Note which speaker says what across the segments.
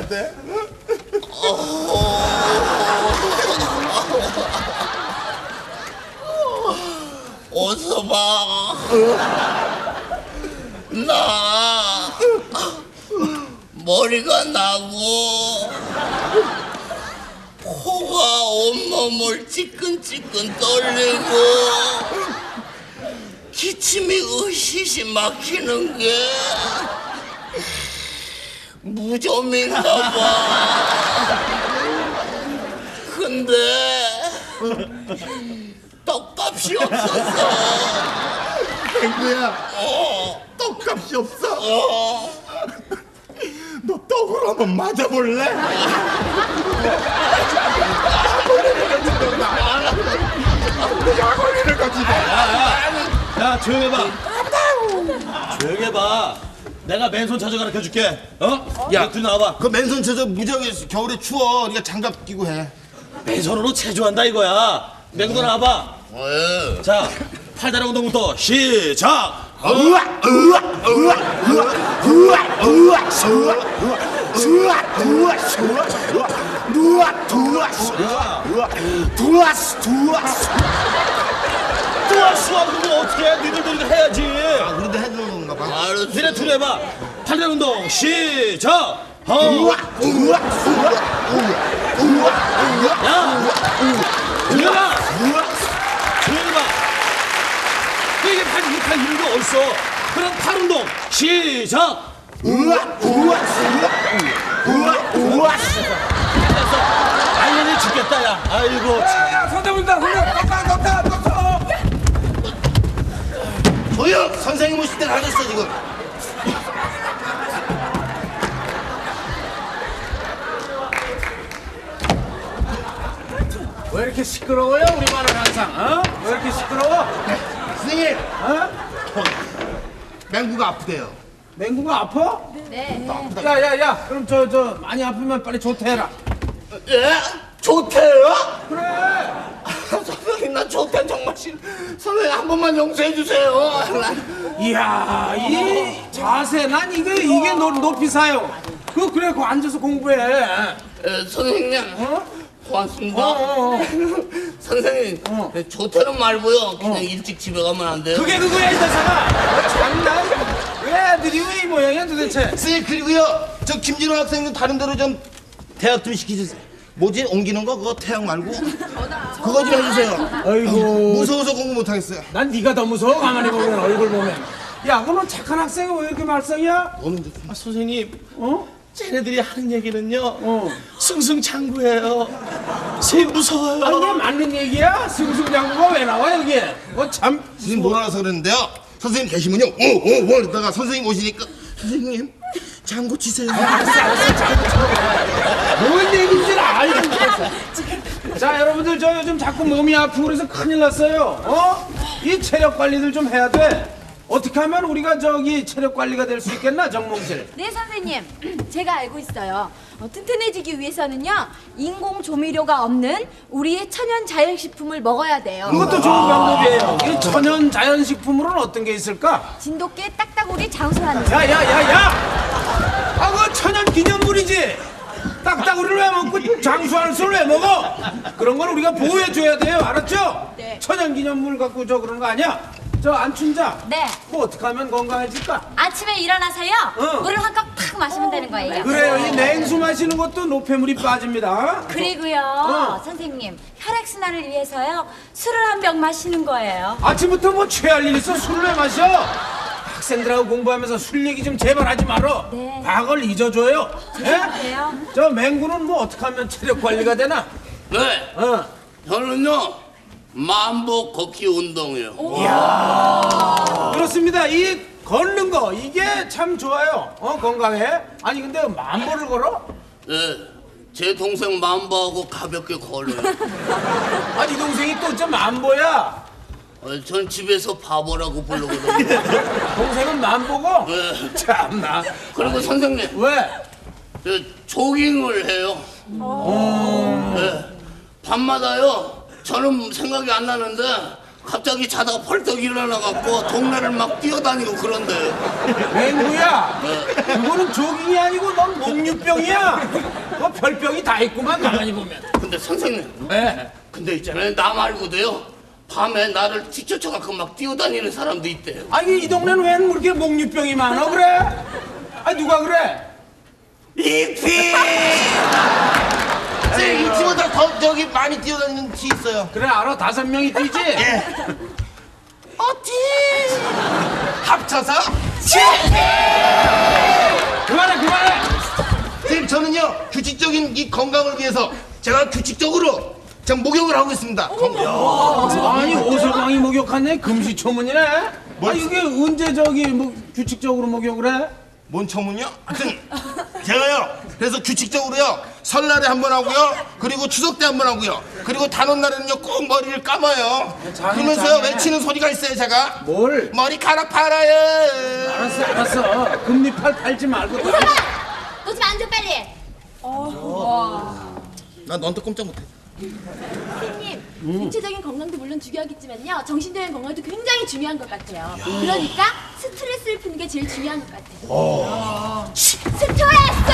Speaker 1: 돼?
Speaker 2: 어서 봐. 나 머리가 나고 코가 온몸을 찌끈찌끈 떨리고 기침이 으시시 막히는 게 무좀인가 봐. 근데 떡값이 없었어.
Speaker 1: 맹구야, 떡값이 없어? 너 떡으로 한번 맞아볼래? 약올리를 가지고.
Speaker 3: 야, 조용히 해봐. 조용히 해봐. 내가 맨손 자주 가르쳐줄게. 어? 야, 둘 나와봐.
Speaker 1: 그 맨손 쳐서 무지하게 겨울에 추워. 네가 장갑 끼고 해.
Speaker 3: 맨손으로 체조한다 이거야. 맹도 나와봐.
Speaker 2: 왜?
Speaker 3: 자, 팔다리 운동부터 시작.
Speaker 1: 우와, 우와, 우와, 우와, 우와, 우와, 우와, 우와, 우와, 우와,
Speaker 3: 뚜아수아 그거 어떻게 해? 니들도 이거 해야지.
Speaker 1: 우리도 해주는 건가 봐.
Speaker 2: 알았어.
Speaker 3: 니네 둘 해봐. 팔다리 운동 시작.
Speaker 1: 우와, 우와, 우와, 우와, 우와,
Speaker 3: 야, 조용히 봐. 조용히 봐. 이게 팔 이런 게 어딨어? 그럼 팔 운동 시작.
Speaker 1: 우와, 우와, 우와, 우와.
Speaker 3: 됐어. 당연히 죽겠다 야. 아이고.
Speaker 4: 야, 선생님다, 선생님,
Speaker 1: 조용! 선생님 오실 때 가졌어 지금.
Speaker 4: 왜 이렇게 시끄러워요, 우리 반은 항상, 어? 왜 이렇게 시끄러워?
Speaker 1: 선생님,
Speaker 4: 어?
Speaker 1: 맹구가 아프대요.
Speaker 4: 맹구가 아파?
Speaker 5: 네.
Speaker 4: 야, 그럼 저 많이 아프면 빨리 조퇴해라.
Speaker 2: 예? 조퇴요?
Speaker 4: 그래.
Speaker 2: 선생님 나 조퇴 정말 싫어. 선생님 한 번만 용서해 주세요.
Speaker 4: 이야, 이 자세, 난 이게 높이 사요. 그래, 그거 앉아서 공부해.
Speaker 2: 선생님
Speaker 4: 어?
Speaker 2: 고맙습니다.
Speaker 4: 어.
Speaker 2: 선생님 조퇴는 말고요. 그냥 일찍 집에 가면 안 돼요?
Speaker 4: 그게 그거야, 이 자사가. 장난? 왜 애들이 왜 이 모양이야, 도대체?
Speaker 1: 선생님 그리고요 저 김진호 학생님 다른 데로 좀 대학 좀 시키주세요. 뭐지 옮기는 거 그거 태양 말고 그거 좀 해주세요.
Speaker 4: 아이고.
Speaker 1: 무서워서 공부 못하겠어요.
Speaker 4: 난 네가 더 무서워, 가만히 보면, 얼굴 보면. 야, 그럼 착한 학생이 왜 이렇게 말썽이야?
Speaker 1: 너는 좀
Speaker 3: 아, 선생님,
Speaker 4: 어?
Speaker 3: 쟤네들이 하는 얘기는요. 승승장구예요. 선생님 무서워요.
Speaker 4: 아니, 이게 맞는 얘기야? 승승장구가 왜 나와, 여기? 참.
Speaker 1: 선생님 몰라서 그러는데요. 선생님 계시면요 오오오 이러다가 선생님 오시니까 선생님 장구 치세요.
Speaker 4: 뭔 얘기인지 알고. 자, 여러분들, 저 요즘 자꾸 몸이 아프고 그래서 큰일 났어요. 어? 이 체력 관리들 좀 해야 돼. 어떻게 하면 우리가 저기 체력 관리가 될 수 있겠나, 정몽실?
Speaker 5: 네, 선생님. 제가 알고 있어요. 튼튼해지기 위해서는요, 인공 조미료가 없는 우리의 천연 자연식품을 먹어야 돼요.
Speaker 4: 그것도 좋은 방법이에요. 이 천연 자연식품으로는 어떤 게 있을까?
Speaker 5: 진돗개 딱따구리 장수하는 거.
Speaker 4: 야! 아, 그거 천연 기념물이지. 딱따구리를 왜 먹고 장수하는 술을 왜 먹어? 그런 건 우리가 보호해줘야 돼요. 알았죠?
Speaker 5: 네.
Speaker 4: 천연 기념물 갖고 저 그런 거 아니야? 저 안춘자.
Speaker 5: 네.
Speaker 4: 뭐 어떻게 하면 건강해질까?
Speaker 5: 아침에 일어나서요,
Speaker 4: 응.
Speaker 5: 물을 한 컵 탁 마시면 되는 거예요.
Speaker 4: 그래요. 이 냉수 마시는 것도 노폐물이 빠집니다.
Speaker 5: 그리고요, 선생님, 혈액순환을 위해서요, 술을 한 병 마시는 거예요.
Speaker 4: 아침부터 뭐 취할 일 있어? 술을 왜 마셔? 학생들하고 공부하면서 술 얘기 좀 제발 하지 말어.
Speaker 5: 네.
Speaker 4: 과거를 잊어줘요.
Speaker 5: 죄송해요.
Speaker 4: 저 맹구는 뭐 어떻게 하면 체력 관리가 되나?
Speaker 2: 네.
Speaker 4: 어.
Speaker 2: 저는요 만보 걷기 운동이요.
Speaker 4: 그렇습니다. 이 걷는 거 이게 참 좋아요. 건강해. 아니 근데 만보를 걸어?
Speaker 2: 네. 제 동생 만보하고 가볍게 걸어요.
Speaker 4: 아니 동생이 또 어째 만보야?
Speaker 2: 전 집에서 바보라고 부르거든요.
Speaker 4: 동생은 만보고?
Speaker 2: 네.
Speaker 4: 참나.
Speaker 2: 그리고 선생님
Speaker 4: 왜?
Speaker 2: 저 조깅을 해요. 네. 밤마다요. 저는 생각이 안 나는데 갑자기 자다가 벌떡 일어나갖고 동네를 막 뛰어다니고 그런데.
Speaker 4: 맹구야, 그거는 조깅이 아니고 넌 목류병이야. 너 별병이 다 있구만 가만히 보면.
Speaker 2: 근데 선생님,
Speaker 4: 왜?
Speaker 2: 근데 있잖아요, 나 말고도요, 밤에 나를 뒤쫓아갖고 막 뛰어다니는 사람도 있대요.
Speaker 4: 아니 이 동네는 왜 그렇게 목류병이 많아 그래? 아 누가 그래?
Speaker 2: 이피!
Speaker 1: 이 팀보다 더 저기 많이 뛰어다니는 티 있어요.
Speaker 4: 그래 알아 5명이 뛰지?
Speaker 1: 어티 합쳐서
Speaker 4: 그만해.
Speaker 1: 선생님 저는요 규칙적인 이 건강을 위해서 제가 규칙적으로 제가 목욕을 하고 있습니다.
Speaker 4: 아니 오서광이 목욕하네 금시초문이네. 아 이게 언제 저기 뭐 규칙적으로 목욕을 해?
Speaker 1: 뭔 청문요? 하여튼 제가요 그래서 규칙적으로요 설날에 한 번 하고요 그리고 추석 때 한 번 하고요 그리고 단오날에는요 꼭 머리를 감아요. 그러면서요 외치는 소리가 있어요 제가.
Speaker 4: 뭘?
Speaker 1: 머리카락 팔아요.
Speaker 4: 알았어. 금리팔 팔지 말고.
Speaker 5: 오서방! 너 좀 앉아 빨리.
Speaker 1: 난 너한테 꼼짝 못해.
Speaker 5: 선생님, 육체적인 건강도 물론 중요하겠지만요 정신적인 건강도 굉장히 중요한 것 같아요. 그러니까 스트레스를 푸는 게 제일 중요한 것 같아요. 스트레스!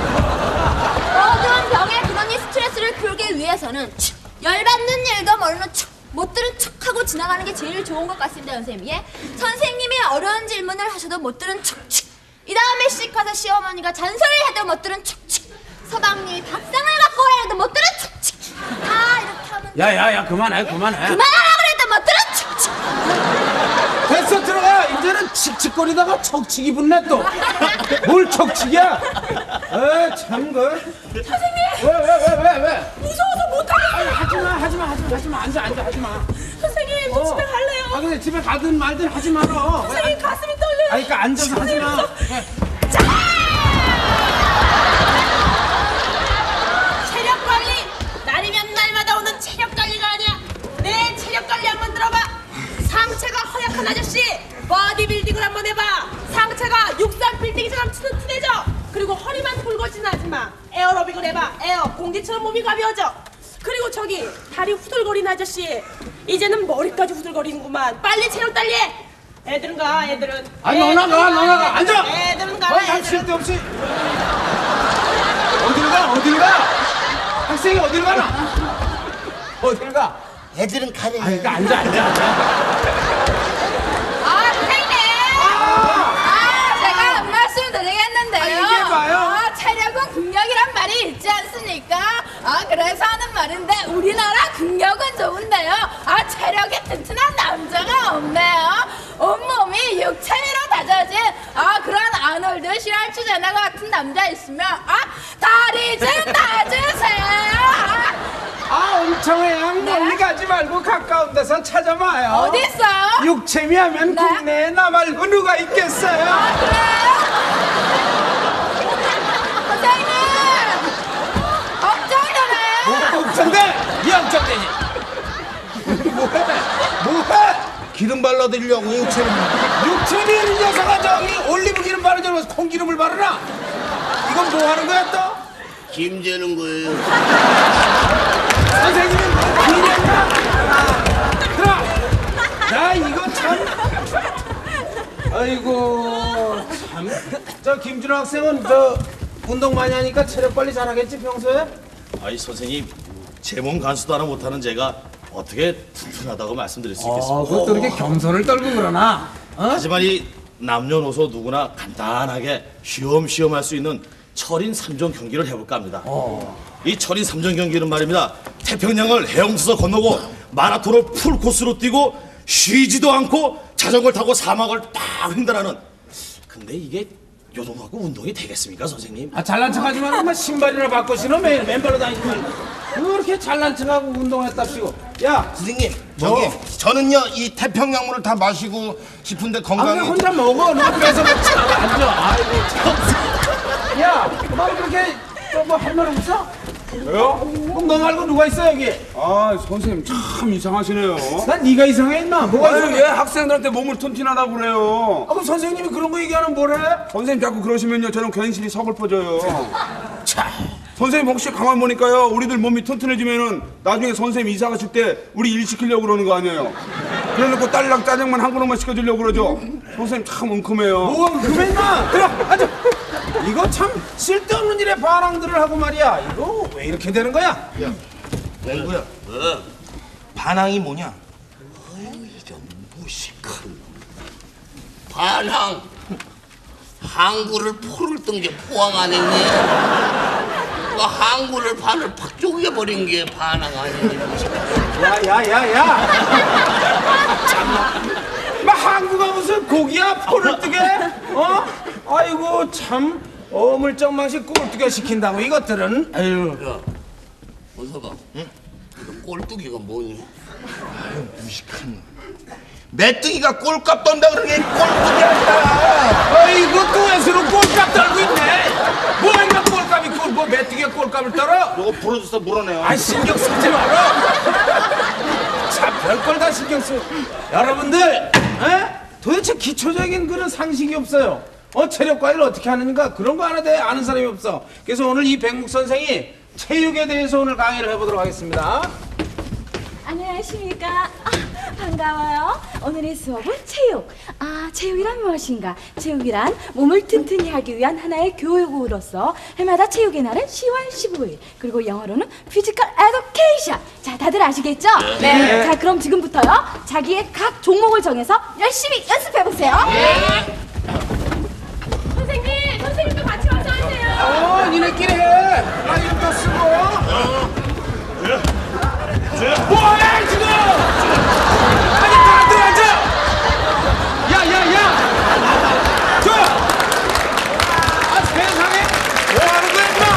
Speaker 5: 모든 병의 근원인 스트레스를 풀기 위해서는 열받는 일도 모르는 못 들은 척하고 지나가는 게 제일 좋은 것 같습니다, 선생님. 예? 선생님이 어려운 질문을 하셔도 못 들은 척. 이 다음에 씩 가서 시어머니가 잔소리를 해도 못 들은 척. 서방님이 밥상을 갖고 오라 해도 못 들은 척. 다 이렇게 하면
Speaker 4: 야야야 그만해.
Speaker 5: 그만하라 그래도 못 들은 척.
Speaker 4: 됐어 들어가. 이제는 칙칙거리다가 척칙이 붙네 또. 뭘 척칙이야? 참 그. 선생님. 왜?
Speaker 5: 무서워서 못하겠어요.
Speaker 4: 하지마. 앉아 하지마.
Speaker 5: 선생님, 저 집에 갈래요.
Speaker 4: 아 근데 집에 가든 말든 하지 말어.
Speaker 5: 선생님, 가슴이 떨려요.
Speaker 4: 아니 그러니까 앉아서 하지마.
Speaker 6: 체력 관리! 날이면 날마다 오는 체력 관리가 아니야. 내 체력 관리 한번 들어봐. 상체가 허약한 아저씨 보디빌딩을 한번 해봐. 상체가 육상 빌딩처럼 튼튼해져. 그리고 허리만 굵어지는 아줌마 에어로빅을 해봐. 에어 공기처럼 몸이 가벼워져. 그리고 저기 다리 후들거리는 아저씨 이제는 머리까지 후들거리는구만. 빨리 체력 달리해. 애들은 가. 애들은.
Speaker 4: 아니 너 나가. 앉아.
Speaker 6: 애들은 가라.
Speaker 4: 할
Speaker 6: 애들은.
Speaker 4: 쓸데없이. 어딜 가? 학생이 어딜 가나? 어딜 가?
Speaker 1: 애들은 가래.
Speaker 4: 아니 그러니까 앉아.
Speaker 5: 선생님! 제가 말씀드리겠는데요.
Speaker 4: 얘기해봐요.
Speaker 5: 체력은 국력이란 말이 있지 않습니까? 그래서 하는 말인데 우리나라 국력은 좋은데요. 체력이 튼튼한 남자가 없네요. 온몸이 육체로 다져진 그런 아놀드 슈왈츠제네거 같은 남자 있으면 다리 좀 놔주세요.
Speaker 4: 엄청해요. 멀리 가지 말고 가까운 데서 찾아봐요.
Speaker 5: 어디 있어요?
Speaker 4: 육체미 하면
Speaker 5: 네.
Speaker 4: 국내에 나 말고 누가 있겠어요?
Speaker 5: 그래요? 선생님! 걱정되네요.
Speaker 4: 걱정돼? 이 걱정되지. 뭐해?
Speaker 1: 기름 발라드리려고 육체를.
Speaker 4: 육체미 있는 여자가 저기 올리브 기름 바르지 않고 콩기름을 바르나? 이건 뭐 하는 거야 또?
Speaker 2: 김 재는 거예요.
Speaker 4: 선생님은 비례인가? 들어! 나 이거 참. 아이고 참. 저 김준호 학생은 저 운동 많이 하니까 체력 관리 잘하겠지 평소에?
Speaker 3: 아이 선생님 제 몸 간수도 하나 못하는 제가 어떻게 튼튼하다고 말씀드릴 수 있겠습니까?
Speaker 4: 그것도 이렇게 겸손을 떨고 그러나?
Speaker 3: 하지만 이 남녀노소 누구나 간단하게 쉬엄쉬엄 할 수 있는 철인 3종 경기를 해볼까 합니다. 이 철인 3종 경기는 말입니다. 태평양을 헤엄쳐서 건너고 마라톤을 풀코스로 뛰고 쉬지도 않고 자전거를 타고 사막을 딱 횡단하는. 근데 이게 요 정도 갖고 운동이 되겠습니까 선생님?
Speaker 4: 잘난 척하지 말고 신발이나 바꿔 신어 매일 맨발로 다니지 말고 그렇게 잘난 척하고 운동했답시고. 야
Speaker 1: 선생님
Speaker 4: 뭐?
Speaker 1: 저는요 이 태평양물을 다 마시고 싶은데
Speaker 4: 그냥
Speaker 1: 건강이.
Speaker 4: 혼자 먹어. 너 뺏어 먹지 말고 앉아. 아이고 참. 야, 너 그렇게 뭐 할 말 없어?
Speaker 7: 왜요?
Speaker 4: 그럼 너 말고 누가 있어 여기?
Speaker 7: 선생님 참 이상하시네요.
Speaker 4: 난 네가 이상해 임마. 뭐가
Speaker 7: 아유,
Speaker 4: 이상해?
Speaker 7: 왜 학생들한테 몸을 튼튼하다고 그래요?
Speaker 4: 그럼 선생님이 그런 거 얘기하면 뭐래?
Speaker 7: 선생님 자꾸 그러시면요 저는 괜시리 서글퍼져요. 선생님 혹시 가만 보니까요 우리들 몸이 튼튼해지면은 나중에 선생님 이사 가실 때 우리 일 시키려고 그러는 거 아니에요? 그래놓고 딸랑 짜장면 한 그릇만 시켜주려고 그러죠. 선생님 참 웅큼해요.
Speaker 4: 뭐 그맨나 들어 앉아. 이거 참 쓸데없는 일에 반항들을 하고 말이야. 이거 왜 이렇게 되는 거야?
Speaker 1: 맹구야. 반항이 뭐냐?
Speaker 2: 이런 무식한 반항. 항구를 포를 뜬 게 포항 안 했니? 그 항구를 반을 팍 쪼개버린 게 반항 아니니?
Speaker 4: 야야야야. 막 항구가 무슨 고기야 포를 뜨게? 어? 아이고 참 어물쩡망식 꼴뚜게 시킨다고 이것들은. 아유.
Speaker 2: 야, 어서가. 응? 꼴뚜기가 뭐니?
Speaker 1: 메뚜기가 꼴값 떤다 그러는 게 꼴뚜기 아니라.
Speaker 4: 아이고 또 왼수로 꼴값 떨고 있네. 뭐인가 꼴값이 뭐 메뚜기가 꼴값을 떨어?
Speaker 1: 이거 프로듀서 물어내요.
Speaker 4: 아 신경 쓰지 마라. 참 별걸 다 신경 써. 여러분들, 에? 도대체 기초적인 그런 상식이 없어요. 체력 관리를 어떻게 하는가 그런 거 하나 대 아는 사람이 없어. 그래서 오늘 이 백묵 선생이 체육에 대해서 오늘 강의를 해보도록 하겠습니다.
Speaker 5: 안녕하십니까. 반가워요. 오늘의 수업은 체육. 체육이란 무엇인가? 체육이란 몸을 튼튼히 하기 위한 하나의 교육으로서 해마다 체육의 날은 10월 15일. 그리고 영어로는 피지컬 에듀케이션. 자, 다들 아시겠죠? 네. 자, 그럼 지금부터요. 자기의 각 종목을 정해서 열심히 연습해보세요. 네. 선생님도 같이 와서 하세요.
Speaker 4: 니네끼리 해. 나 이름도 쓰고. 뭐해 지금? 아니 다들 앉아. 야야야. 세상에 뭐 하는 거야 임마?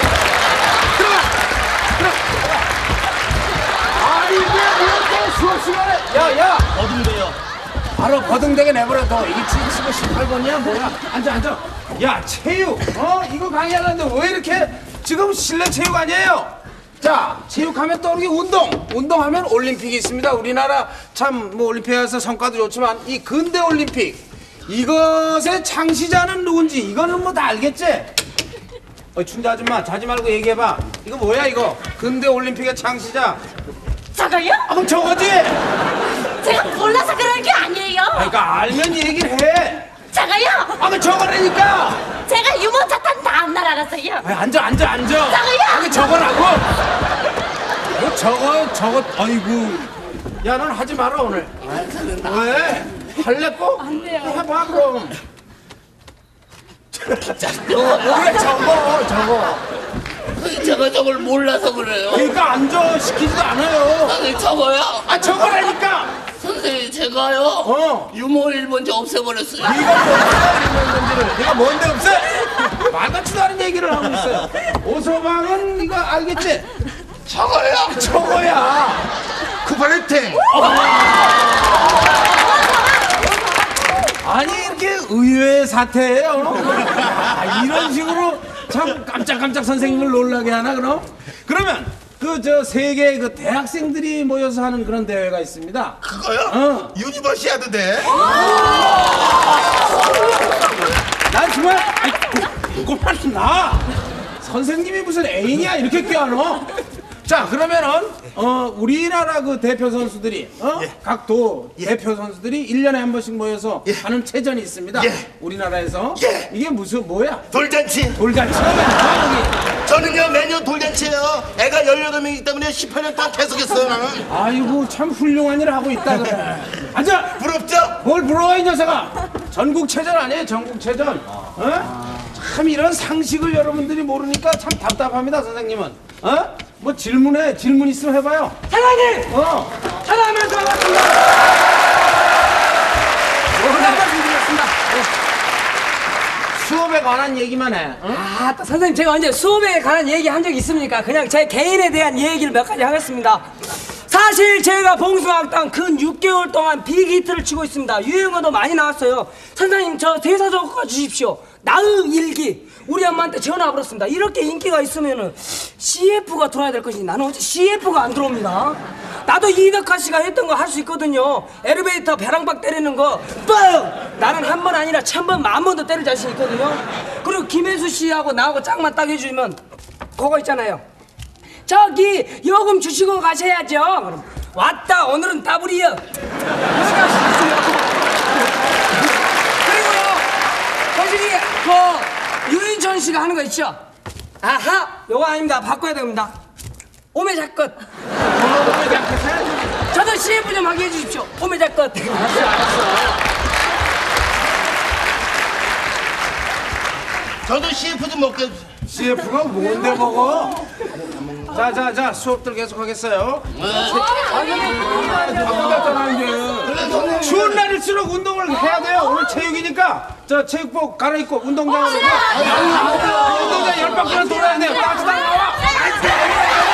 Speaker 4: 들어가. 아니 왜 수업 시간에? 야야.
Speaker 3: 어딘데요?
Speaker 4: 바로 거등대게 내버려둬. 이게 75, 18번이야 뭐야? 앉아. 야 체육. 이거 강의하는데 왜 이렇게 지금 실내 체육 아니에요? 자, 체육하면 떠오르기 운동하면 올림픽이 있습니다. 우리나라 참 뭐 올림픽에서 성과도 좋지만 이 근대 올림픽 이것의 창시자는 누군지 이거는 뭐 다 알겠지? 춘자 아줌마 자지 말고 얘기해봐. 이거 뭐야 이거? 근대 올림픽의 창시자.
Speaker 6: 저거요?
Speaker 4: 그럼 저거지?
Speaker 6: 제가 몰라서 그런 게 아니에요.
Speaker 4: 그러니까 알면 얘기를 해.
Speaker 6: 저거요?
Speaker 4: 그럼 저거라니까.
Speaker 6: 제가 유모차 탄 다음날 알았어요.
Speaker 4: 앉아.
Speaker 6: 저거요?
Speaker 4: 저거라고? 뭐 저거 아이고. 야 넌 하지 마라 오늘. 왜? 할래 꼭?
Speaker 6: 안 돼요.
Speaker 4: 해봐 그럼. 그래 저거.
Speaker 2: 저걸 몰라서 그래요.
Speaker 4: 그러니까 앉아 시키지도 않아요.
Speaker 2: 선생님 저거요?
Speaker 4: 저거라니까.
Speaker 2: 선생님 제가요? 유머 1번지 없애버렸어요.
Speaker 4: 네가 뭔데 없애? 말 같지도 않은 얘기를 하고 있어요. 오소방은 이거 알겠지?
Speaker 2: 저거요?
Speaker 4: 저거야.
Speaker 1: 쿠파레팅.
Speaker 4: 아니 이렇게 의외의 사태예요. 이런 식으로 참 깜짝깜짝 선생님을 놀라게 하나 그럼? 그러면 저 세계 그 대학생들이 모여서 하는 그런 대회가 있습니다.
Speaker 1: 그거요? 유니버시아드 대.
Speaker 4: 난 정말 그만 나. 선생님이 무슨 애인이야 이렇게 껴안어? 자 그러면은 우리나라 그 대표 선수들이 각 도 대표 선수들이 1년에 한 번씩 모여서 하는 체전이 있습니다. 우리나라에서 이게 무슨 뭐야?
Speaker 1: 돌잔치.
Speaker 4: 돌잔치가 뭐야?
Speaker 1: 저는요 매년 돌잔치예요. 애가 18명이기 때문에 18년 동안 계속했어요 나는.
Speaker 4: 아이고 참 훌륭한 일을 하고 있다 그래. 앉아.
Speaker 1: 부럽죠?
Speaker 4: 뭘 부러워 이 녀석아. 전국체전 아니에요 전국체전. 참 이런 상식을 여러분들이 모르니까 참 답답합니다 선생님은. 뭐 질문 있으면 해봐요.
Speaker 8: 사장님! 사장님 반갑습니다.
Speaker 4: 수업에 관한 얘기만 해.
Speaker 8: 또 선생님 제가 언제 수업에 관한 얘기 한 적이 있습니까? 그냥 제 개인에 대한 얘기를 몇 가지 하겠습니다. 사실 제가 봉숭아학당 근 6개월 동안 빅히트를 치고 있습니다. 유행어도 많이 나왔어요. 선생님 저 대사 적어 주십시오. 나의 일기. 우리 엄마한테 전화 걸었습니다. 이렇게 인기가 있으면은 CF가 들어와야 될 것이니 나는 어째 CF가 안 들어옵니다. 나도 이덕화 씨가 했던 거 할 수 있거든요. 엘리베이터 벼랑박 때리는 거 뻥! 나는 한 번 아니라 1000번, 10,000번도 때릴 자신 있거든요. 그리고 김혜수 씨하고 나하고 짝만 딱 해주면 그거 있잖아요. 저기 요금 주시고 가셔야죠. 그럼 왔다 오늘은 따블이요. 그리고요 선생님 그 유인천 씨가 하는 거 있죠? 아하 요거 아닙니다. 바꿔야 됩니다. 오메자껏. 저도 CF 좀 하게 해주십시오. 오메자껏.
Speaker 1: 저도 CF 좀 먹게 해주세요.
Speaker 4: CF가 뭔데 먹어? 자 수업들 계속 하겠어요. 추운 날일수록 운동을 해야 돼요. 오늘 체육이니까 저 체육복 갈아입고 운동장으로 가. 운동장 10바퀴나 돌아야 돼요. 나와.